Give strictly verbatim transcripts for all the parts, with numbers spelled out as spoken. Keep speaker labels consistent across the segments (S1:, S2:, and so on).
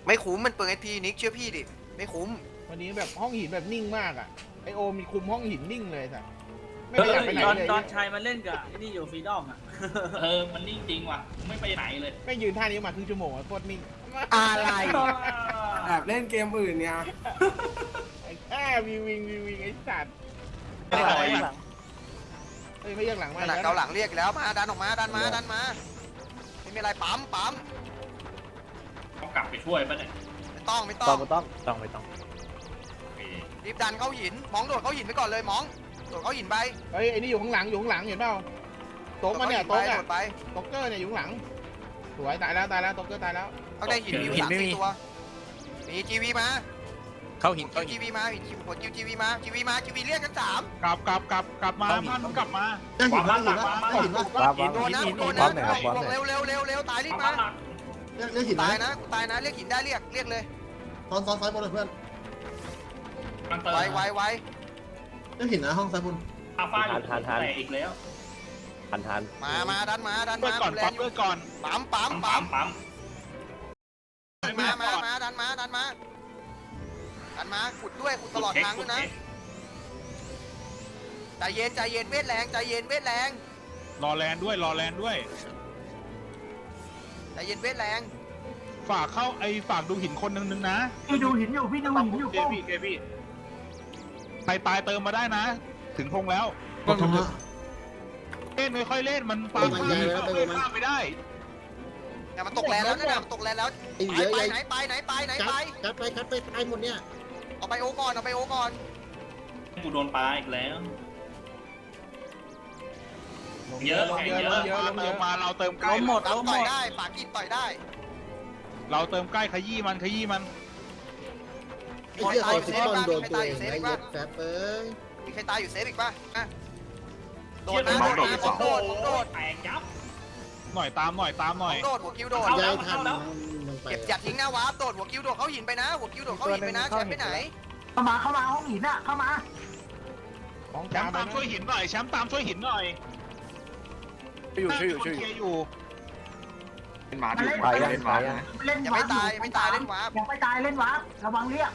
S1: ไม่คุ้มมันเปิดไอพีนิกเชื่อพี่ดิไม่คุ้ม
S2: วันนี้แบบห้องหินแบบนิ่งมากอ่ะไอโอมีคุมห้องหินนิ่งเลยสัสไม่
S3: เอ
S2: ได้อยาก
S3: อ
S2: ไปไหน
S3: ตอน
S2: เลย
S3: ตอนชายมาเล่นกับไอ้นี่อยู่ฟรีดอมอ่ะ
S4: เออมันนิ่งจริงว่ะไม่ไปไหนเลย
S2: ไม่ยืนท่านี้มาครึ่งชั่วโมงอะโคตรนิ่ง
S5: อะไรแอบเล่นเกมอื่นเนี่ย
S2: ไอ้แค่วีวิงวีวิงไอ้สัตว์
S4: ไม่ได้
S2: เฮ้ยไม่เรียกหลังมา
S1: ขนาดเกาหลังเรียกแล้วมาดันออกมาดันมาดันมาไม่มีอะไรปั๊มปั๊ม
S4: ต้องกลับไปช่วยป่ะเนี่ย
S1: ไม่ต้องไม่ต้
S6: ต้
S1: อ
S6: อง งต้องต้องไม่ต้อง
S4: โอเค
S1: รีบดันเข้าหินมองโดดเข้าหินไปก่อนเลยมองโดดเข้าหินไป
S2: เฮ้ยไอ้นี่อยู่ข้างหลังอยู่ข้างหลังเห็นเปล่าโต๊ะมาเนี่ย
S1: โด
S2: โต๊ะ
S1: ด
S2: เนี่ย
S1: ไป
S2: โต๊ะเกอร์เนี่ยอยู่ข้างหลังสวยตายแล้วตายแล้วโต๊ะเกอร์ตายแล้ว
S1: เขาได้หินมีอยู่สามสี่ตัวมีจีวีมา
S6: เข้าหิน
S1: คิ
S6: เข้าว หิ
S1: จี
S6: น
S1: วีมาหินหัวคิวจีวีมาจีวีมาจีวีเรียกกันสาม
S7: กลับกลับกลับกลับมา
S6: เข้าหิน
S7: มันกลับมา
S4: วางบ้านหลักวางบ้านหลัก
S6: วางวาง
S1: โดนนะ
S6: หิน
S1: โด
S6: หิ
S1: น
S6: น
S1: นะ
S6: หน่อยครับ
S1: บวกเร็วเร็วเร็วเร็วตายรีบ
S4: วาง
S1: มา
S4: บ้านหลัก
S5: เรียกเรียกหินไหม
S1: ตายนะกูตายนะเรียกหินได้เรียกเรียกเลย
S5: ซ้อนซ้อนซ้ายบนเลยเพื่อน
S4: มันเติม
S1: ไวไวไว
S5: เรียกหินนะห้องซ้ายบน
S4: อาฟ้าอยู่แต่อีกแล้ว
S6: ทันทัน
S1: มามาดันมาดัน
S7: เปิด
S1: มา
S7: ก่อน
S1: แร
S7: ปั๊
S1: ง
S7: บ
S1: อ
S7: เปิ
S1: ยู่
S7: ดก่อน
S1: ปั๊มปั๊ม
S4: ปั๊
S1: ปั๊
S4: ม
S1: ม
S4: ปั๊ม
S1: มามามาดันมาดันมาดันมาขุดด้วยขุดตลอดทางด้วยนะใจเย็นใจเย็นเวทแรงใจเย็นเวทแรง
S7: รอแลนด้วยรอแลนด้วย
S1: ใจเย็นเวทแรง
S7: ฝากเข้าไอ้ฝากดูหินคนนึงนึงนะ
S8: พี่ดูหินอยู่พี่ดูหินอยู่
S7: เกพี่เกพี่ใครตายเติมมาได้นะ ถึงพงแล้ว
S5: ก็ทำละ
S7: เล่นไม่ค่อยเล่นมันปา
S5: ไปมันใหญ่แล้วไปมัน
S7: ข้ามไม่ได้
S1: อย่ามันตกแรงแล้วนะมันตกแรงแล้ว
S5: ไอ้
S1: ไป
S5: เยอะ
S1: ไป
S5: ใหญ่
S1: ไหนไปไหนไปไหน
S5: กั
S1: ไป
S5: ดกัดไปกัดไปตายหมดเนี่ย
S1: เอาไปโอก่อนเอาไปโอก่อน
S4: กูโดนปลาอีกแล้ว
S2: ลง
S4: เยอะ
S2: ลงเยอะ
S4: เย
S2: ล
S4: อะ
S2: งเยอะลงเย
S7: เติ
S2: อะ
S7: มมาเราเติมใกล้
S3: ล้มหมด
S1: ตาม
S3: ล้มห
S1: ต่
S3: ม
S1: อย
S3: ด
S1: ได้ปากกินต่อยได้
S7: เราเติมใกล้ขยี้มันขยี้มัน
S5: ไอ้เหี้ยใส่ฟุตบอลโดนตัวเองไอ้เหี้ยแฟบเอ้ย
S1: มีใครตายอยู่เซฟอีกป่ะอ่ะโด
S4: เชี่
S1: ด
S4: ย
S1: นะ
S4: โด
S1: โด
S4: น
S1: ด
S4: โด
S1: นะ
S4: น
S1: โดดโดด
S4: แตกยับ
S7: หน่อยตามหน่อยตามหน่อย
S1: โดดหัวคิวโดด
S4: เข้าแล้
S5: ยายว ทัน
S4: เข้าแล้ว
S5: มึงไป
S1: เก็บจัดทิ้งหน้าวาร์ปโดดหัวคิวโดดเข้าหินไปนะหัวคิวโดดเข้าหินไปนะแชมป์ไปไหน
S8: เข้ามาเข้ามาห้องหินอ่ะเข้ามา
S2: ของ
S7: แช
S2: กลาม
S7: ป์
S2: ไป
S7: ตาม
S2: นะ
S7: ช่วยหินหน่อยแชมป์ตามช่วยหินหน่อย
S6: อยู่ช่วยอยู่ช่วย
S7: เค
S6: อยู่
S7: อยู่
S8: เป็นหมาถือ
S6: ไปยังไปยัง
S8: เล่น
S1: อย่าไม่ตายไม่ตายเล่นวาร์ป
S8: อย่าไม่ตายเล่นวาร์ประวังเรียก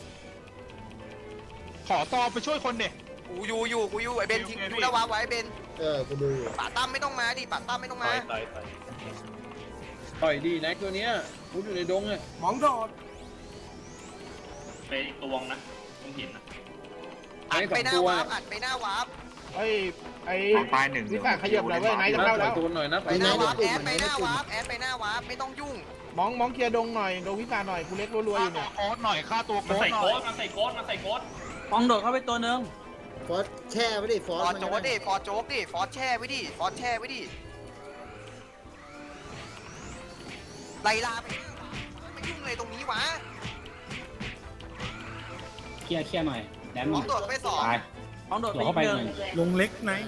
S7: ขอตอไปช่วยคนเด็ก
S1: กูอยู่อยู่กูอยู่ไอเบนทิ้ง
S7: โอเค
S1: ดูหน้าวาร์ปไว้เบน
S5: เออกูดูอยู่
S1: ป่าตั้มไม่ต้องมาดิป่าตั้มไม่ต้อง
S6: ต่
S1: มา
S6: อยต่อยต่อย
S9: ต่อยดีแน็กตัวเนี้ยพูดอยู่ในดงอ่ะ
S5: มองโดด
S4: ไปอีกตัวนะต้องหินนะ
S1: อัดไปหน้าวาร์ปอัดไปหน้าวาร์ป
S2: เฮ้ยไอ้วิสาขยับหน่อยเว้ยไหนจะเข้าแล้ว
S9: ตัวหน่อยนะ
S1: ไปหน้าวาร์ปแอดไปหน้าวาร์ปแอดไปหน้าวาร์ปไม่ต้องยุ่ง
S2: มองมองเคลียร์ดงหน่อยดงวิสาหน่อยกูเล็กรัวๆอยู่
S7: ค่าตัว
S2: เนี่ย
S7: โค้ดหน่อยค่าตัว
S4: มัน
S7: โค้ด
S4: ใส่
S7: หน่
S4: โค้
S7: อย
S4: ดมันใส่โค้ดมันใส่โค้ด
S3: มองโดดเข้าไปตัวหนึง
S5: ฟอสแช่ไว้ดิฟ
S1: ฟ
S5: อ
S1: อ
S5: ส
S1: ร์โจ๊กดิฟอร์โจ๊กดิฟอร์แช่ไว้ดิฟอร์แช่ไว้ดิไล่ลาไปไม่ยุ่งเลยตรงนี้วะ
S9: เคลียร์เคลียร์หน่อยแดน
S1: มองโดดไปสอง
S3: มองโดดไปอีกหนึ่ง
S9: ลงเล็กไหน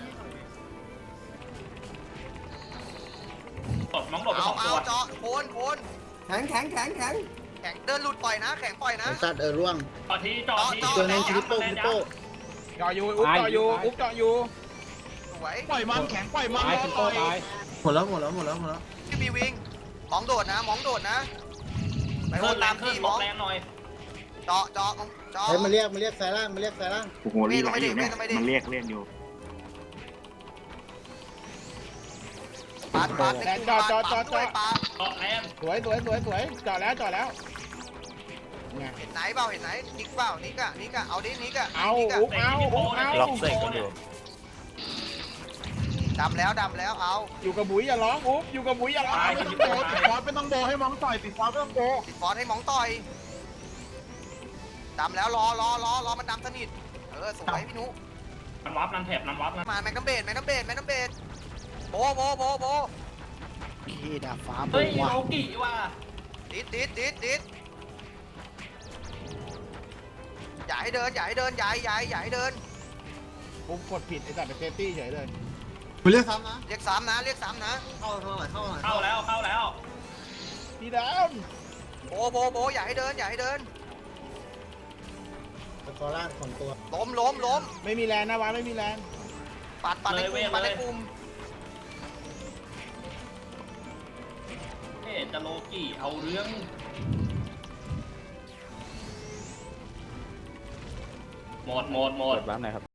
S4: ตดน้องโดดไป
S1: เอา
S4: สอง
S1: เอา
S4: ตัว
S1: เจาะโคนโคน
S5: แข็งแข็งแข็งแข็ง
S1: แข่งเดินหลุดปล่อยนะ แข่งปล่อยนะ
S5: ไอ้สัตว์เออร่วง
S4: ต่อทีจอที
S5: ตัวนึงคริปโป้คริปโป้
S2: เจาะอยู่อุ๊บเจาะอยู่อุ๊บเจาะอยู่
S1: สวย
S7: ปล่อยมันแข็งปล่อยมันแล้วต่อย
S5: หมดแล้วหมดแล้วหมดแล้วหมดแล้ว
S1: ชื่อบีวิงมองโดดนะมองโดดนะไปโห
S4: เพิ่
S1: ด
S4: มแร
S1: ตาง ม
S4: ขึ้
S1: ที่
S4: น
S1: ม
S4: ล
S1: อง
S4: ดแรงหน่อย
S1: เจาะเจาะเจาะ
S5: เฮ้ยมาเรียกมาเรียกสายล่างมาเรียกสายล่าง
S1: โอ้โหรีบไหลอยู่เนี่ยมันเรียกเรียกอยู่ปาดปาดปาดด้วยปาด
S4: เกาะแรง
S2: สวยสวยสวยสวยเจาะแล้วเจาะแล้วไง
S1: เห็นไหนเปล่าเห็นไหนนิกเปล่านิกอะนิกอะเอาดินิกอะ
S2: เอา
S1: นิกอะ
S2: อุ๊บเอาอุ๊บเอา
S6: ล็อกเซ็กกันอยู่
S1: ดำแล้วดำแล้วเอา
S2: อยู่กับบุ๋ยอย่าร้องอุ๊บอยู่กับบุ๋ยอย่าร้อง
S4: ตาย
S7: ไม่
S4: ที
S7: ต้อง
S4: นี้
S7: โบติดฟอสไม่ต้องโบให้มองต่อยติดฟอสไม่ต้องโบ
S1: ติดฟอนให้มองต่อยดำแล้วรอรอรอรอมันดำสนิทเออสวยพี่นุ
S4: นันวับนันแถบนันวับนะ
S1: มาแมกนัมเบดแมกนัมเบดแมกนัมเบดโบโบโบโบ
S5: ขี้ดาฟ้าบ
S4: เฮ้ย
S5: ว่ะ
S4: โลกิว่ะ
S1: ดิดดิดดิดดิดอย่าให้เดินอย่าให้เดินอย่าอย่าอย่าให้เดิน
S2: ผมกดผิดไอ้สัตว์ไปเซฟตี้เฉยเลย
S5: มาเรียกซ้ำนะ
S1: เรียกสามนะเรียกสามนะ
S5: เข้าเท่าไหร่เข้าเท่าไหร่
S4: เข้าแล้วเข้าแล้ว
S2: พี่ดาว
S1: โบโบโบอย่าให้เดินอย่าให้เดิน
S5: ตะกอล่างของตัว
S1: ล้มล้มล้ม
S2: ไม่มีแรงนะวะไม่มีแรง
S1: ปัดปัดในกลุ่มปัดในกลุ่ม
S4: เอ๊ะจะโลกิเอาเรื่องหมดหมดหมด
S6: เปิดบ้านไหนครับ